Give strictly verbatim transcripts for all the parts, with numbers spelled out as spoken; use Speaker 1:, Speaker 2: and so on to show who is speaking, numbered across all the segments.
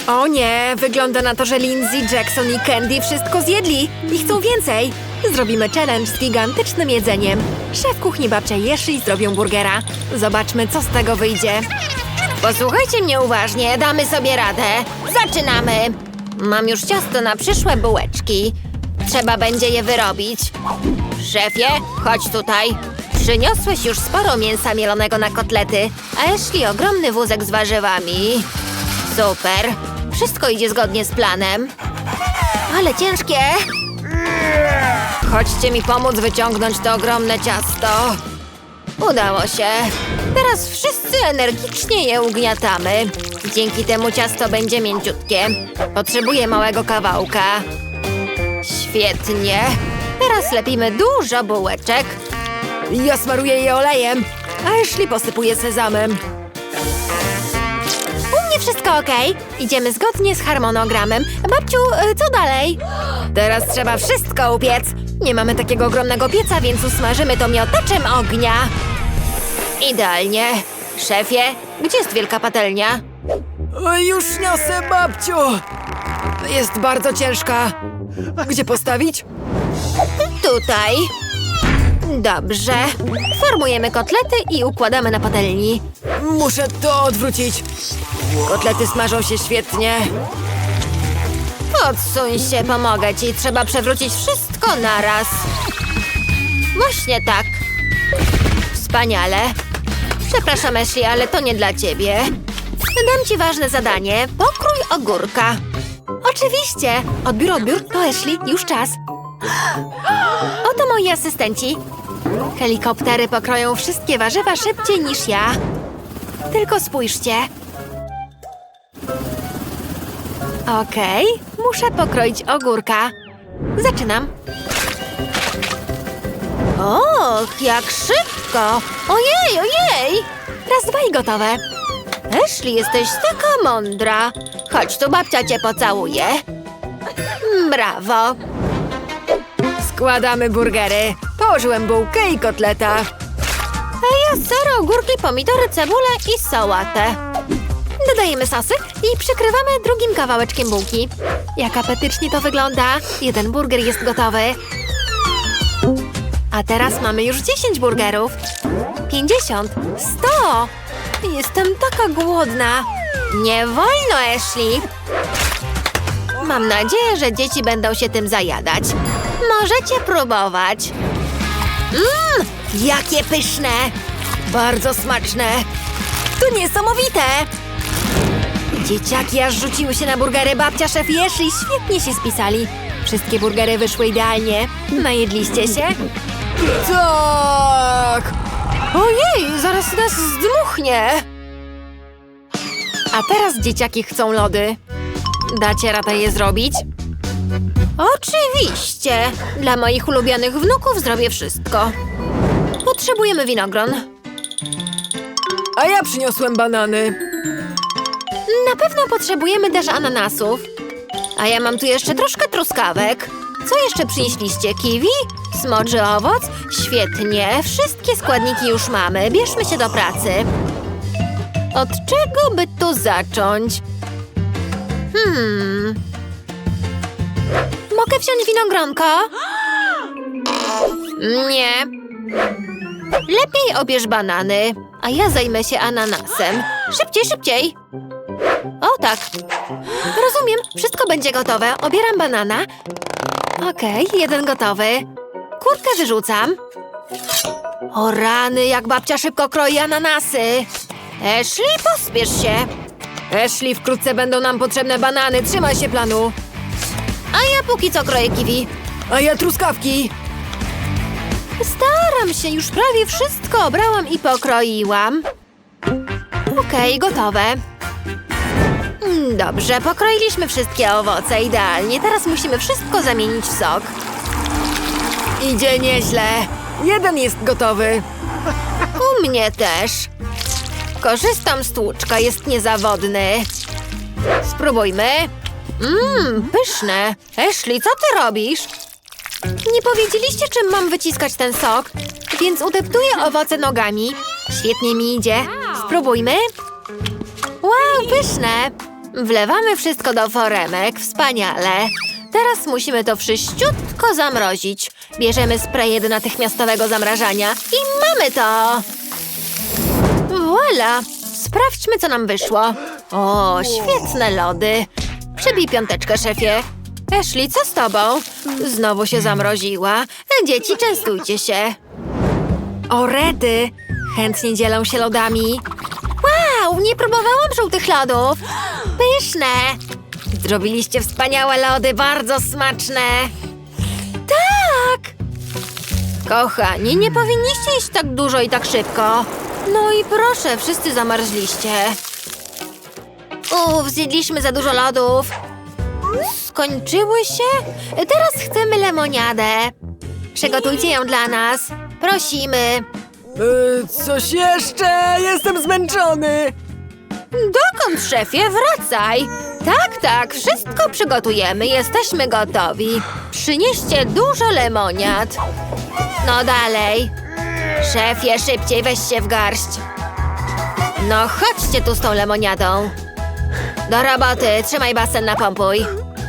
Speaker 1: O nie, wygląda na to, że Lindsay, Jackson i Candy wszystko zjedli i chcą więcej. Zrobimy challenge z gigantycznym jedzeniem. Szef kuchni babcia i Ashley zrobią burgera. Zobaczmy, co z tego wyjdzie. Posłuchajcie mnie uważnie, damy sobie radę. Zaczynamy! Mam już ciasto na przyszłe bułeczki. Trzeba będzie je wyrobić. Szefie, chodź tutaj. Przyniosłeś już sporo mięsa mielonego na kotlety, a Ashley ogromny wózek z warzywami. Super. Wszystko idzie zgodnie z planem. Ale ciężkie. Chodźcie mi pomóc wyciągnąć to ogromne ciasto. Udało się. Teraz wszyscy energicznie je ugniatamy. Dzięki temu ciasto będzie mięciutkie. Potrzebuję małego kawałka. Świetnie. Teraz lepimy dużo bułeczek. Ja smaruję je olejem, a Ashley posypuje sezamem. U mnie wszystko okej. Idziemy zgodnie z harmonogramem. Babciu, co dalej? Teraz trzeba wszystko upiec. Nie mamy takiego ogromnego pieca, więc usmażymy to miotaczem ognia. Idealnie. Szefie, gdzie jest wielka patelnia? Już niosę, babciu. Jest bardzo ciężka. Gdzie postawić? Tutaj. Dobrze. Formujemy kotlety i układamy na patelni. Muszę to odwrócić. Kotlety smażą się świetnie. Odsuń się, pomogę ci. Trzeba przewrócić wszystko naraz. Właśnie tak. Wspaniale. Przepraszam, Ashley, ale to nie dla ciebie. Dam ci ważne zadanie. Pokrój ogórka. Oczywiście. Odbiór, odbiór. To Ashley. Już czas. Oto moi asystenci. Helikoptery pokroją wszystkie warzywa szybciej niż ja. Tylko spójrzcie. Okej, muszę pokroić ogórka. Zaczynam. Och, jak szybko! Ojej, ojej! Raz, dwa i gotowe. Ashley, jesteś taka mądra. Chodź tu, babcia cię pocałuje. Brawo. Składamy burgery. Położyłem bułkę i kotleta. A ja ser, ogórki, pomidory, cebulę i sałatę. Dodajemy sosy i przykrywamy drugim kawałeczkiem bułki. Jak apetycznie to wygląda. Jeden burger jest gotowy. A teraz mamy już dziesięć burgerów. pięćdziesiąt. sto. Jestem taka głodna. Nie wolno, Ashley. Mam nadzieję, że dzieci będą się tym zajadać. Możecie próbować. Mmm, jakie pyszne! Bardzo smaczne. To niesamowite! Dzieciaki aż rzuciły się na burgery. Babcia, szef i Ashley świetnie się spisali. Wszystkie burgery wyszły idealnie. Najedliście się? Tak! Ojej, zaraz nas zdmuchnie! A teraz dzieciaki chcą lody. Dacie radę je zrobić? Oczywiście! Dla moich ulubionych wnuków zrobię wszystko. Potrzebujemy winogron. A ja przyniosłem banany. Na pewno potrzebujemy też ananasów. A ja mam tu jeszcze troszkę truskawek. Co jeszcze przynieśliście? Kiwi? Smoczy owoc? Świetnie, wszystkie składniki już mamy. Bierzmy się do pracy. Od czego by tu zacząć? Hmm... Mogę wziąć winogronko? Nie. Lepiej obierz banany, a ja zajmę się ananasem. Szybciej, szybciej. O tak. Rozumiem, wszystko będzie gotowe. Obieram banana. Okej, jeden gotowy. Kurkę wyrzucam. O rany, jak babcia szybko kroi ananasy. Ashley, pospiesz się. Ashley, wkrótce będą nam potrzebne banany. Trzymaj się planu. A ja póki co kroję kiwi. A ja truskawki. Staram się, już prawie wszystko obrałam i pokroiłam. Okej, gotowe. Dobrze, pokroiliśmy wszystkie owoce idealnie. Teraz musimy wszystko zamienić w sok. Idzie nieźle. Jeden jest gotowy. U mnie też. Korzystam z tłuczka, jest niezawodny. Spróbujmy. Mmm, pyszne. Ashley, co ty robisz? Nie powiedzieliście, czym mam wyciskać ten sok, więc udeptuję owoce nogami. Świetnie mi idzie. Spróbujmy. Wow, pyszne. Wlewamy wszystko do foremek. Wspaniale. Teraz musimy to wszyściutko zamrozić. Bierzemy spray do natychmiastowego zamrażania i mamy to! Voila! Sprawdźmy, co nam wyszło. O, świetne lody. Przybij piąteczkę, szefie. Ashley, co z tobą? Znowu się zamroziła. Dzieci, częstujcie się. O, rety! Chętnie dzielą się lodami. Wow, nie próbowałam żółtych lodów. Pyszne! Zrobiliście wspaniałe lody, bardzo smaczne. Tak! Kochani, nie powinniście jeść tak dużo i tak szybko. No i proszę, wszyscy zamarzliście. Uff, zjedliśmy za dużo lodów. Skończyły się? Teraz chcemy lemoniadę. Przygotujcie ją dla nas. Prosimy.
Speaker 2: Yy, coś jeszcze? Jestem zmęczony!
Speaker 1: Dokąd, szefie? Wracaj! Tak, tak, wszystko przygotujemy, jesteśmy gotowi. Przynieście dużo lemoniad. No dalej. Szefie, szybciej, weź się w garść. No chodźcie tu z tą lemoniadą. Do roboty, trzymaj basen, napompuj.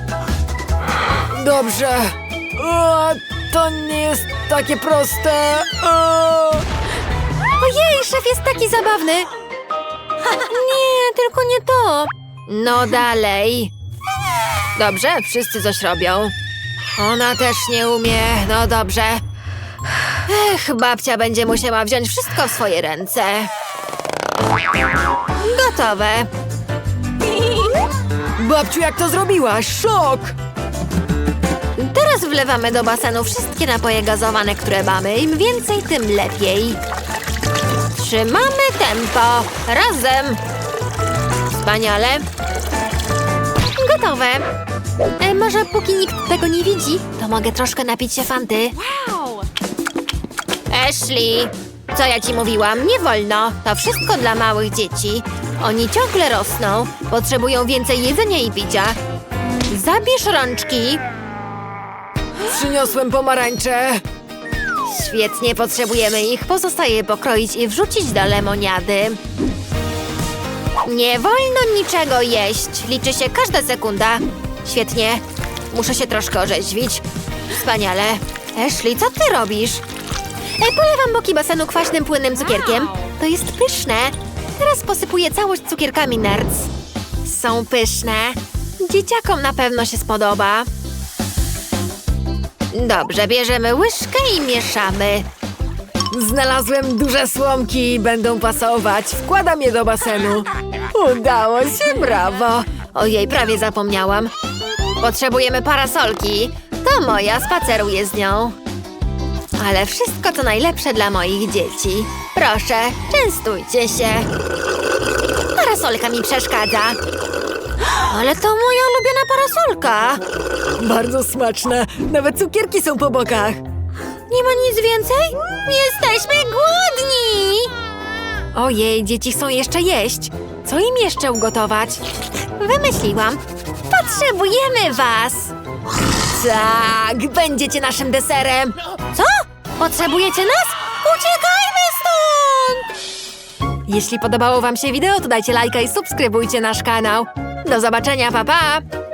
Speaker 2: Dobrze. O, to nie jest takie proste. O!
Speaker 1: Ojej, szef jest taki zabawny. Nie, tylko nie to. No dalej. Dobrze, wszyscy coś robią. Ona też nie umie, no dobrze. Ech, babcia będzie musiała wziąć wszystko w swoje ręce. Gotowe.
Speaker 2: Babciu, jak to zrobiłaś? Szok!
Speaker 1: Teraz wlewamy do basenu wszystkie napoje gazowane, które mamy. Im więcej, tym lepiej. Trzymamy tempo. Razem. Wspaniale. Gotowe. E, może póki nikt tego nie widzi, to mogę troszkę napić się fanty. Ashley, co ja ci mówiłam? Nie wolno. To wszystko dla małych dzieci. Oni ciągle rosną. Potrzebują więcej jedzenia i picia. Zabierz rączki.
Speaker 2: Przyniosłem pomarańcze.
Speaker 1: Świetnie, potrzebujemy ich. Pozostaje pokroić i wrzucić do lemoniady. Nie wolno niczego jeść. Liczy się każda sekunda. Świetnie. Muszę się troszkę orzeźwić. Wspaniale. Ashley, co ty robisz? Ej, polewam boki basenu kwaśnym, płynnym cukierkiem. To jest pyszne. Teraz posypuję całość cukierkami Nerds. Są pyszne. Dzieciakom na pewno się spodoba. Dobrze, bierzemy łyżkę i mieszamy.
Speaker 2: Znalazłem duże słomki, będą pasować. Wkładam je do basenu. Udało się, brawo.
Speaker 1: Ojej, prawie zapomniałam. Potrzebujemy parasolki. To moja, spaceruję z nią. Ale wszystko to najlepsze dla moich dzieci. Proszę, częstujcie się. Parasolka mi przeszkadza. Ale to moja ulubiona parasolka.
Speaker 2: Bardzo smaczne. Nawet cukierki są po bokach.
Speaker 1: Nie ma nic więcej? Jesteśmy głodni! Ojej, dzieci chcą jeszcze jeść. Co im jeszcze ugotować? Wymyśliłam. Potrzebujemy was! Tak, będziecie naszym deserem. Co? Potrzebujecie nas? Uciekajmy stąd! Jeśli podobało wam się wideo, to dajcie lajka i subskrybujcie nasz kanał. Do zobaczenia, pa pa!